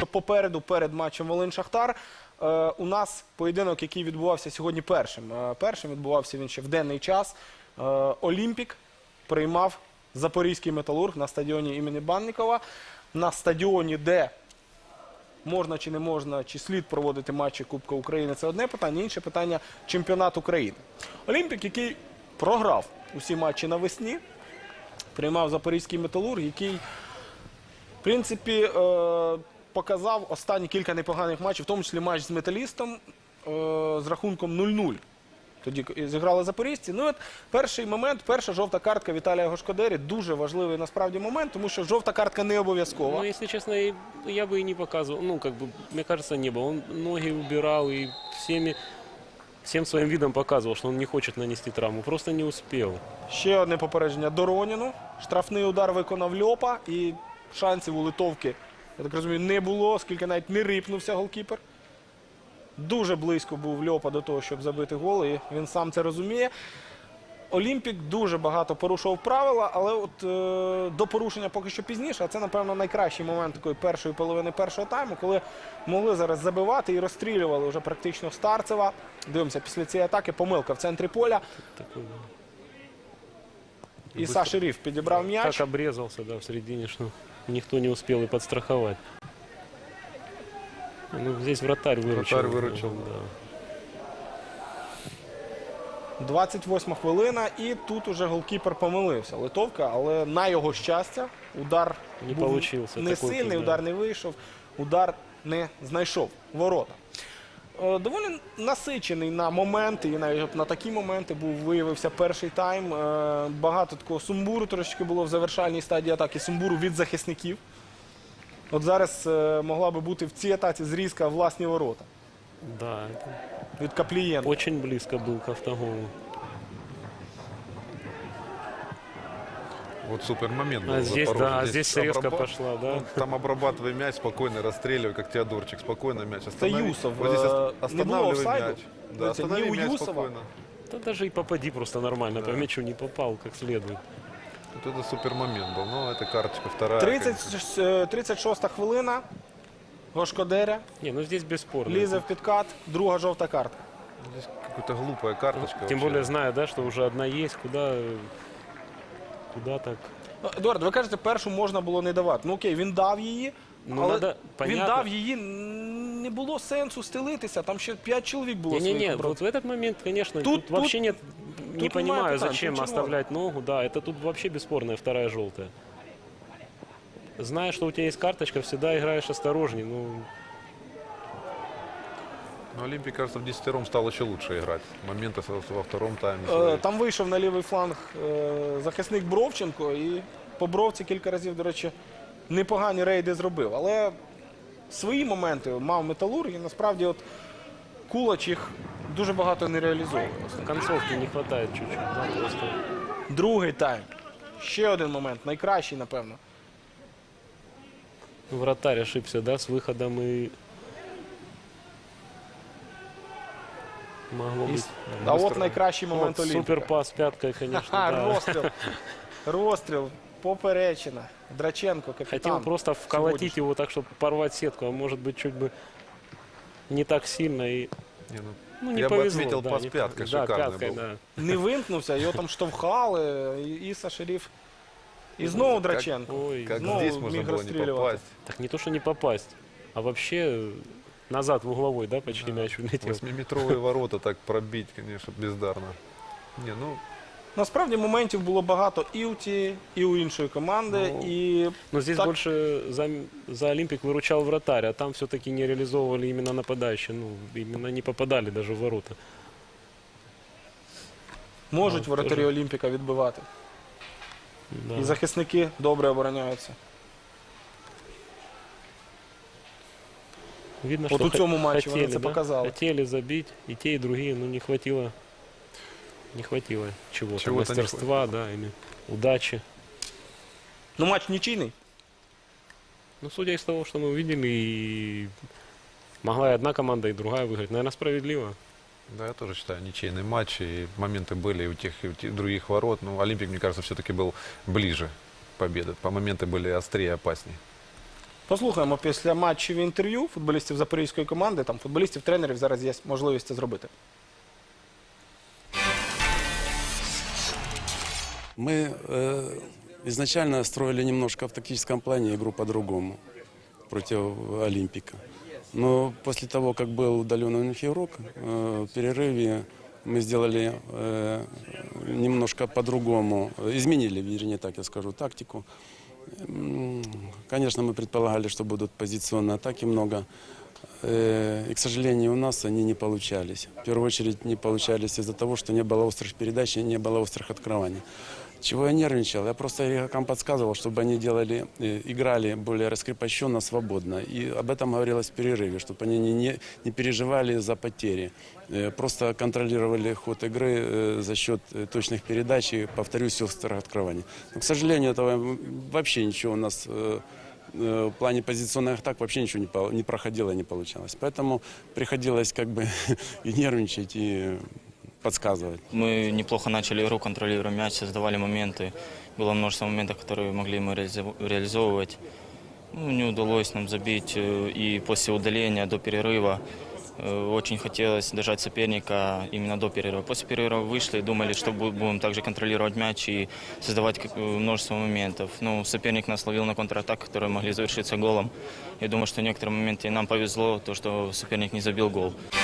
попереду, перед матчем Волинь-Шахтар, у нас поєдинок, який відбувався сьогодні першим. Першим відбувався він ще в денний час. Олімпік приймав Запорізький Металург на стадіоні імені Баннікова. На стадіоні, де можна чи не можна, чи слід проводити матчі Кубка України, це одне питання. Інше питання – чемпіонат України. Олімпік, який програв усі матчі навесні, приймав Запорізький Металург, який, в принципі, показав останні кілька непоганих матчів, в тому числі матч з Металістом з рахунком 0-0. Тоді зіграли запорізьці. Ну, от перший момент, перша жовта картка Віталія Гошкодері. Дуже важливий насправді момент, тому що жовта картка не обов'язкова. Ну, если честно, я бы и не показывал. Ну, как бы, мне кажется, не было. Он ноги убирал и всем своим видом показывал, что он не хочет нанести травму. Просто не успел. Ще одне попередження Дороніну. Штрафний удар виконав Льопа. І шансів у литовки, я так розумію, не було, оскільки навіть не рипнувся голкіпер. Дуже близько був Льопа до того, щоб забити гол, і він сам це розуміє. Олімпік дуже багато порушував правила, але от до порушення поки що пізніше. А це, напевно, найкращий момент такої першої половини першого тайму, коли могли зараз забивати і розстрілювали вже практично Старцева. Дивимося, після цієї атаки помилка в центрі поля. Такой, да. Іса Шериф підібрав м'яч. Так обрезался, да, в середине, что никто не успел и подстраховать. Ну, здесь вратарь выручил. Вратарь выручил. Да. 28 хвилина, і тут уже голкіпер помилився. Литовка, але на його щастя, удар Не був получився не такий, сильний, да. удар не вийшов, удар не знайшов ворота. Доволі насичений на моменти, і навіть на такі моменти виявився перший тайм. Багато такого сумбуру трошки було в завершальній стадії атаки, сумбуру від захисників. От зараз могла би бути в цій атаці зрізка власні ворота Да, это від Каплієнка. очень близко был к автоголу. Вот супер момент был. А здесь, Запорожье. да, здесь срезка обраба- пошла, да. Ну, там обрабатывай мяч, спокойно расстреливай, как Теодорчик. Спокойно мяч Це останови. Юсов. Вот здесь Не було останавливай офсайду. мяч. Да, Дивіться, останови ні у мяч Юсова. спокойно. Да даже и попади просто нормально. По мячу не попал как следует. Вот это супер момент был. Ну, это карточка вторая. 36-та хвилина. Гошкодеря Не, ну здесь бесспорно. лізе в підкат, друга жовта картка. Здесь какая-то глупая карточка. Тем вообще. более зная, да, что уже одна есть, куда так. Ну, Едуард, ви кажете, першу можна було не давати. Ну окей, він дав її, Ну, але надо, він понятно. дав її, не було сенсу стелитися, там ще 5 чоловік було своїх Не-не-не, оборонців. вот в этот момент, конечно, Тут- тут вообще нет, не тут понимаю, немає питань, зачем тут червоно. оставлять ногу, да, это тут вообще бесспорная вторая желтая. Зная, что у тебя есть карточка, всегда играешь осторожней, ну, Но Олимпий, кажется, в 10-ром стал еще лучше играть. Моменты во втором тайме. Там вийшов на лівий фланг захисник Бровченко, і по Бровці кілька разів, до речі, непогані рейди зробив. Але свої моменти мав Металург, і насправді от Кулач їх дуже багато не реалізовує. концовки не хватает чуть-чуть, да, просто. Другий тайм. Ще один момент, найкращий, напевно. Вратарь ошибся, да, с выходом и могло быть. А от найкращий момент Вот Олімпіка. суперпас пяткой, конечно, Ха, да. розстріл. Розстріл. Поперечина. Драченко, капітан. Хотел просто вколотить его так, чтобы порвать сетку, а может быть чуть бы не так сильно и Не, ну, не я бы повезло. отметил да, пас не пяткой, повезло. Да, шикарный пяткой, был. да. Не вимкнувся, його там штовхали. Іса Шериф. І знову Драченко. Ой, Как Ну, здесь можно миг было не расстреливать. попасть. так не то, что не попасть, а вообще назад в угловой, да, почти мяч улетел. 8-метровые ворота так пробить, конечно, бездарно. Не, ну, Насправді моментів було багато і у тієї, і у іншої команди. Ну, І Но здесь так- больше за Олимпик выручал вратарь, а там все-таки не реализовывали именно нападающие. Ну, именно не попадали даже в ворота. можуть Ну, воротарі теж. Олімпіка відбивати. Да. І захисники добре обороняються. Видно, Вот что у цьому матчі вони хотели, це да? показали. Хотели забить и те, и другие, но не хватило чего-то, Чего-то не мастерства, да, или удачи. Ну, матч нічийний. Ну, судя из того, что мы увидели, и могла и одна команда, и другая выиграть. Наверное, справедливо. да, я тоже считаю, ничейный матч, и моменты были и у тех, и у тех других ворот. Но Олимпик, мне кажется, все-таки был ближе победы. По моменты были острее, опаснее. Послухаємо після матчів інтерв'ю футболістів запорізької команди, там футболістів, тренерів, зараз є можливість це зробити. Мы изначально строили немножко в тактическом плане игру по-другому против Олимпика. Но после того, как был удален у них игрок, в перерыве мы сделали немножко по-другому, изменили, вернее так я скажу, тактику. Конечно, мы предполагали, что будут позиционные атаки много. И, к сожалению, у нас они не получались. В первую очередь не получались из-за того, что не было острых передач и не было острых открываний. Чего я нервничал? Я просто игрокам подсказывал, чтобы они играли более раскрепощенно, свободно. И об этом говорилось в перерыве, чтобы они не переживали за потери. Просто контролировали ход игры за счет точных передач и, повторюсь, острых открываний. Но, к сожалению, этого вообще ничего у нас в плане позиционных атак вообще ничего не проходило и не получалось. Поэтому приходилось как бы и нервничать, и подсказывать. Мы неплохо начали игру, контролируя мяч, создавали моменты. Было множество моментов, которые могли мы реализовывать. Не удалось нам забить. И после удаления до перерыва очень хотелось держать соперника именно до перерыва. После перерыва вышли, думали, что будем также контролировать мяч и создавать множество моментов. Но соперник нас ловил на контратак, которые могли завершиться голом. Я думаю, что в некоторые моменты нам повезло, то, что соперник не забил гол.